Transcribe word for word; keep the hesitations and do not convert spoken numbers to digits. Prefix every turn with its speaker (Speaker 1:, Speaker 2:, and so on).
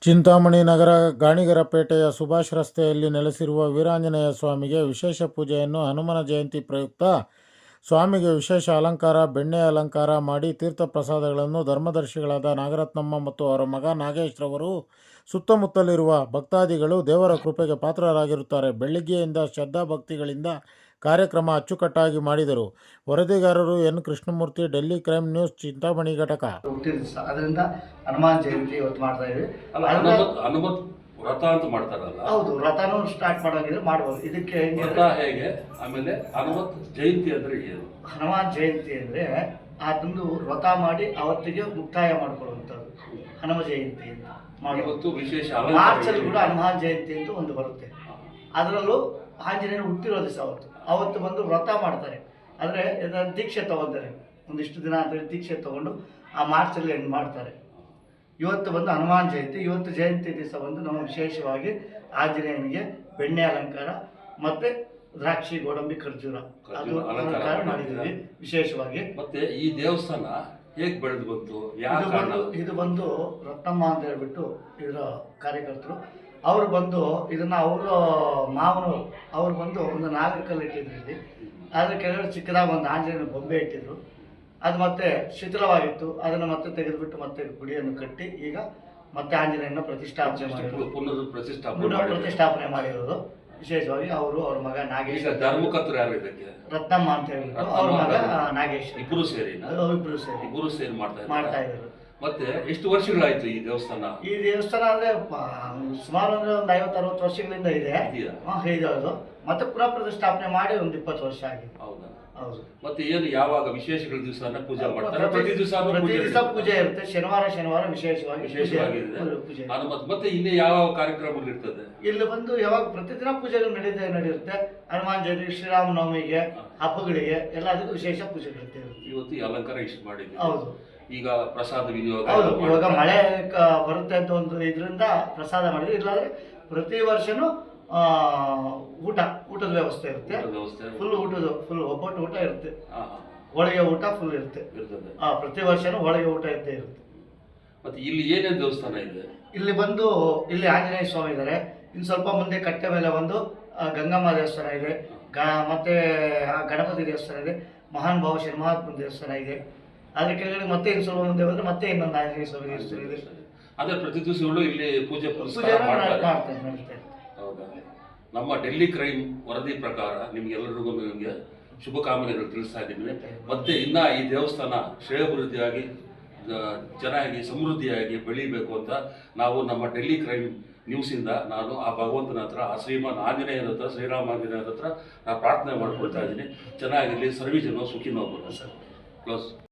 Speaker 1: ಚಿಂತಾಮಣಿ ನಗರ ಗಾಣಿಗರಪೇಟೆಯ ಸುಭಾಷ್ ರಸ್ತೆಯಲ್ಲಿ ನೆಲೆಸಿರುವ ವೀರಾಂಜನೇಯ ಸ್ವಾಮಿಗೆ ವಿಶೇಷ ಪೂಜೆಯನ್ನು ಹನುಮನ ಜಯಂತಿ ಪ್ರಯುಕ್ತ ಸ್ವಾಮಿಗೆ ವಿಶೇಷ ಅಲಂಕಾರ, ಬೆಣ್ಣೆ ಅಲಂಕಾರ ಮಾಡಿ ತೀರ್ಥ ಪ್ರಸಾದಗಳನ್ನು ಧರ್ಮದರ್ಶಿಗಳಾದ ನಾಗರತ್ನಮ್ಮ ಮತ್ತು ಅವರ ಮಗ ನಾಗೇಶ್ ರವರು ಸುತ್ತಮುತ್ತಲಿರುವ ಭಕ್ತಾದಿಗಳು ದೇವರ ಕೃಪೆಗೆ ಪಾತ್ರರಾಗಿರುತ್ತಾರೆ. ಬೆಳಿಗ್ಗೆಯಿಂದ ಶ್ರದ್ಧಾ ಭಕ್ತಿಗಳಿಂದ ಕಾರ್ಯಕ್ರಮ ಅಚ್ಚುಕಟ್ಟಾಗಿ ಮಾಡಿದರು. ವರದಿಗಾರರು N Krishnamurthy, Delhi crime news, Chintamani ಘಟಕ.
Speaker 2: ಅದರಿಂದ ಹನುಮಾನ್ ಜಯಂತಿ ಇವತ್ತು ಮಾಡ್ತಾ ಇದ್ವಿ.
Speaker 3: ಹನುಮತ್ ವ್ರತ ಅಂತ ಮಾಡ್ತಾರಲ್ಲ,
Speaker 2: ಹೌದು, ವ್ರತನೂ ಸ್ಟಾರ್ಟ್ ಮಾಡೋಂಗಿದ್ರೆ ಮಾಡ್ಬೋದು. ಇದಕ್ಕೆ
Speaker 3: ವ್ರತ ಹೇಗೆ, ಆಮೇಲೆ ಹನುಮತ್ ಜಯಂತಿ ಅಂದ್ರೆ ಏನು?
Speaker 2: ಹನುಮಾನ್ ಜಯಂತಿ ಅಂದ್ರೆ ಅದೊಂದು ವ್ರತ ಮಾಡಿ ಅವತ್ತಿಗೆ ಮುಕ್ತಾಯ ಮಾಡ್ಕೊಳ್ಳುವಂಥದ್ದು ಹನುಮ ಜಯಂತಿ ಅಂತ
Speaker 3: ಇವತ್ತು ವಿಶೇಷ
Speaker 2: ಮಾರ್ಚಲ್ಲಿ ಕೂಡ ಹನುಮಾನ್ ಜಯಂತಿ ಅಂತ ಒಂದು ಬರುತ್ತೆ. ಅದರಲ್ಲೂ ಆಂಜನೇಯರು ಹುಟ್ಟಿರೋ ದಿವಸ ಅವತ್ತು ಅವತ್ತು ಬಂದು ವ್ರತ ಮಾಡ್ತಾರೆ. ಅಂದರೆ ದೀಕ್ಷೆ ತಗೊಂತಾರೆ, ಒಂದಿಷ್ಟು ದಿನ ಅಂತೇಳಿ ದೀಕ್ಷೆ ತಗೊಂಡು ಆ ಮಾರ್ಚಲ್ಲಿ ಎಂಡ್ ಮಾಡ್ತಾರೆ. ಇವತ್ತು ಬಂದು ಹನುಮಾನ್ ಜಯಂತಿ. ಇವತ್ತು ಜಯಂತಿ ದಿವಸ ಬಂದು ನಾವು ವಿಶೇಷವಾಗಿ ಆಂಜನೇಯನಿಗೆ ಬೆಣ್ಣೆ ಅಲಂಕಾರ ಮತ್ತು ದ್ರಾಕ್ಷಿ, ಗೋಡಂಬಿ, ಖರ್ಜೂರ ಅದು ಅಲಂಕಾರ ಮಾಡಿದ್ದೀವಿ ವಿಶೇಷವಾಗಿ.
Speaker 3: ಮತ್ತೆ ಈ ದೇವಸ್ಥಾನ ಹೇಗೆ ಬೆಳೆದು ಬಂತು?
Speaker 2: ಇದು ಬಂದು ಇದು ಬಂದು ರತ್ನಮ್ಮ ಅಂತ ಹೇಳ್ಬಿಟ್ಟು ಇದರ ಕಾರ್ಯಕರ್ತರು ಅವರು ಬಂದು ಇದನ್ನು ಅವರ ಮಾವನವರು ಅವ್ರು ಬಂದು ಒಂದು ನಾಲ್ಕು ಕಲ್ಲು ಇಟ್ಟಿದ್ರು ಇಲ್ಲಿ. ಅದ್ರ ಕೆಳಗಡೆ ಚಿಕ್ಕದಾಗಿ ಒಂದು ಆಂಜನೇಯನ ಬೊಂಬೆ ಇಟ್ಟಿದ್ರು. ಅದು ಮತ್ತೆ ಶಿಥಿಲವಾಗಿತ್ತು. ಅದನ್ನು ಮತ್ತೆ ತೆಗೆದುಬಿಟ್ಟು ಮತ್ತೆ ಗುಡಿಯನ್ನು ಕಟ್ಟಿ ಈಗ ಮತ್ತೆ ಆಂಜನೇಯನ ಪ್ರತಿಷ್ಠಾಪನೆ ಮಾಡಿರೋದು ಪ್ರತಿಷ್ಠಾಪನೆ ಮಾಡಿರೋದು ವಿಶೇಷವಾಗಿ ಅವರು ಅವ್ರ ಮಗ ನಾಗೇಶ್.
Speaker 3: ಧರ್ಮಕರ್ತರು ಯಾರು ಇದಕ್ಕೆ?
Speaker 2: ರತ್ನಮ್ಮ ಅಂತ ಹೇಳ್ಬಿಟ್ಟು ಅವ್ರ ಮಗ ನಾಗೇಶ್.
Speaker 3: ಇಬ್ಬರು ಸೇರಿ
Speaker 2: ಇಬ್ಬರು ಸೇರಿ
Speaker 3: ಇಬ್ಬರು ಸೇರಿ ಮಾಡ್ತಾ
Speaker 2: ಮಾಡ್ತಾ ಇದ್ದಾರೆ.
Speaker 3: ಮತ್ತೆ ಎಷ್ಟು ವರ್ಷಗಳಾಯ್ತು ಈ ದೇವಸ್ಥಾನ?
Speaker 2: ಈ ದೇವಸ್ಥಾನ ಅಂದ್ರೆ ಸುಮಾರು ಅಂದ್ರೆ ಒಂದು ಐವತ್ತು ಅರವತ್ತು ವರ್ಷಗಳಿಂದ ಇದೆ. ಹೌದು. ಮತ್ತೆ ಪುನಃ ಪ್ರತಿಷ್ಠಾಪನೆ ಮಾಡಿ ಒಂದು ಇಪ್ಪತ್ತು ವರ್ಷ ಆಗಿದೆ.
Speaker 3: ಹೌದಾ?
Speaker 2: ಹೌದು.
Speaker 3: ಮತ್ತೆ ಏನು ಯಾವಾಗ ವಿಶೇಷಗಳ ದಿವಸ ಪೂಜೆ ಮಾಡ್ತಾರೆ? ಪ್ರತಿ ದಿವಸ
Speaker 2: ಪ್ರತಿ ದಿವಸ ಪೂಜೆ ಇರುತ್ತೆ. ಶನಿವಾರ ಶನಿವಾರ ವಿಶೇಷವಾಗಿ
Speaker 3: ವಿಶೇಷವಾಗಿದೆ. ಮತ್ತೆ ಇನ್ನೇ ಯಾವ ಕಾರ್ಯಕ್ರಮಗಳು ಇರ್ತದೆ
Speaker 2: ಇಲ್ಲಿ ಬಂದು? ಯಾವಾಗ ಪ್ರತಿದಿನ ಪೂಜೆಗಳು ನಡೀತಾ ನಡೆಯುತ್ತೆ. ಹನುಮಾನ್ ಜಯಂತಿ, ಶ್ರೀರಾಮನವಮಿಗೆ, ಹಬ್ಬಗಳಿಗೆ ಎಲ್ಲದಕ್ಕೂ ವಿಶೇಷ ಪೂಜೆಗಳಿರುತ್ತೆ.
Speaker 3: ಇವತ್ತು ಈ ಅಲಂಕಾರ ಇಷ್ಟು ಮಾಡಿದ್ವಿ.
Speaker 2: ಹೌದು.
Speaker 3: ಈಗ ಪ್ರಸಾದ ವಿನಿಯೋಗ.
Speaker 2: ಹೌದು, ಇವಾಗ ಮಳೆ ಬರುತ್ತೆ ಅಂತ ಒಂದು ಇದರಿಂದ ಪ್ರಸಾದ ಮಾಡಿದ್ವಿ. ಇಲ್ಲಾಂದ್ರೆ ಪ್ರತಿ ವರ್ಷನೂ ಊಟ ಊಟದ ವ್ಯವಸ್ಥೆ ಇರುತ್ತೆ. ಫುಲ್ ಊಟದ ಫುಲ್ ಒಬ್ಬಟ್ಟು ಊಟ ಇರುತ್ತೆ. ಹೋಳಿಗೆ ಊಟ ಫುಲ್ ಇರುತ್ತೆ. ಪ್ರತಿ ವರ್ಷನೂ ಹೋಳಿಗೆ ಊಟ ಇರುತ್ತೆ ಇರುತ್ತೆ.
Speaker 3: ಮತ್ತೆ ಇಲ್ಲಿ ಏನೇನು ದೇವಸ್ಥಾನ ಇದೆ?
Speaker 2: ಇಲ್ಲಿ ಬಂದು ಇಲ್ಲಿ ಆಂಜನೇಯ ಸ್ವಾಮಿ ಇದ್ದಾರೆ. ಇನ್ನು ಸ್ವಲ್ಪ ಮುಂದೆ ಕಟ್ಟೆ ಮೇಲೆ ಒಂದು ಗಂಗಮ್ಮ ದೇವಸ್ಥಾನ ಇದೆ. ಗ ಮತ್ತೆ ಗಣಪತಿ ದೇವಸ್ಥಾನ ಇದೆ. ಮಹಾನ್ ಭಾವ ಶರ್ಮಾತ್ಮ ದೇವಸ್ಥಾನ ಇದೆ. ಅದ್ರ ಕೆಳಗಡೆ ಮತ್ತೆ ಇನ್ನು ಸ್ವಲ್ಪ ಮುಂದೆ ಬಂದ್ರೆ ಮತ್ತೆ ಇನ್ನೊಂದು ಆಂಜನೇಯ ಸ್ವಾಮಿ ದೇವಸ್ಥಾನ ಇದೆ.
Speaker 3: ಅಂದ್ರೆ ಪ್ರತಿ ದಿವಸಗಳು ಇಲ್ಲಿ ಪೂಜೆ
Speaker 2: ಪೂಜೆ ಮಾಡ್ತಾರೆ.
Speaker 3: ಹೌದಾ? ನಮ್ಮ ಡೆಲ್ಲಿ ಕ್ರೈಮ್ ವರದಿ ಪ್ರಕಾರ ನಿಮ್ಗೆಲ್ಲರಿಗೂ ನಿಮಗೆ ಶುಭಕಾಮನೆಗಳು ತಿಳಿಸ್ತಾ ಇದ್ದೀನಿ. ಮತ್ತೆ ಇನ್ನ ಈ ದೇವಸ್ಥಾನ ಶ್ರೇಯಾಭಿವೃದ್ಧಿಯಾಗಿ ಚೆನ್ನಾಗಿ ಸಮೃದ್ಧಿಯಾಗಿ ಬೆಳೀಬೇಕು ಅಂತ ನಾವು ನಮ್ಮ ಡೆಲ್ಲಿ ಕ್ರೈಮ್ ನ್ಯೂಸಿಂದ ನಾನು ಆ ಭಗವಂತನ ಹತ್ರ, ಆ ಶ್ರೀಮಾನ್ ಆಂಜನೇಯನ ಹತ್ರ, ಶ್ರೀರಾಮ ಆಂಜನೇಯನ ಹತ್ರ ನಾನು ಪ್ರಾರ್ಥನೆ ಮಾಡ್ಕೊಳ್ತಾ ಇದ್ದೀನಿ. ಚೆನ್ನಾಗಿರಲಿ, ಸರ್ವೀಜನೋ ಸುಖಿನೋ ಬರೋ ಸರ್. ಕ್ಲೋಸ್.